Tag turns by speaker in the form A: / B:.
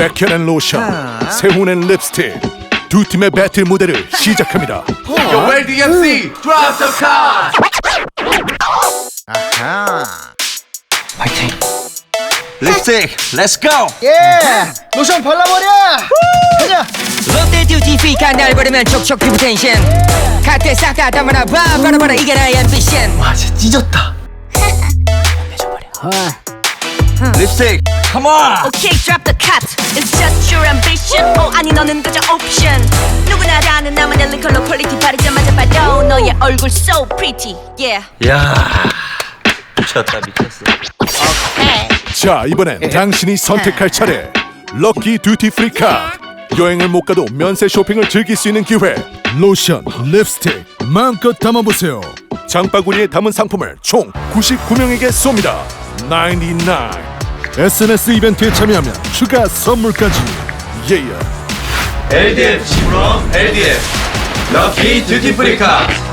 A: 백현앤 로션, 세훈앤 립스틱 두 팀의 배틀 무대를 시작합니다.
B: Yo, where DMC? Drop the card.
C: 파이팅. 립스틱, 렛츠 고.
D: 예! 로션 발라버려! 가자!
E: 롯데 듀티 피카 날 버리면 촉촉 피부 텐션 갓대 싹다 담아라 봐 바라봐라 이게 나의 앰비션
D: 와 진짜 찢었다.
C: 립스틱, come on.
F: Okay, drop the cut. It's just your ambition. 아니 너는 그저 옵션. 누구나 다 아는 나만의 링컬러 퀄리티 바르자마자 봐도 너의 얼굴 so pretty. Yeah.
C: 야, 미쳤다 미쳤어.
A: 자, 이번엔 당신이 선택할 차례. 럭키 듀티 프리 카드. 여행을 못 가도 면세 쇼핑을 즐길 수 있는 기회. 로션, 립스틱 마음껏 담아보세요. 장바구니에 담은 상품을 총 99명에게 쏩니다. 99. SNS 이벤트에 참여하면 추가 선물까지.
B: LDF 10원 LDF 럭키 듀티 프리 카드.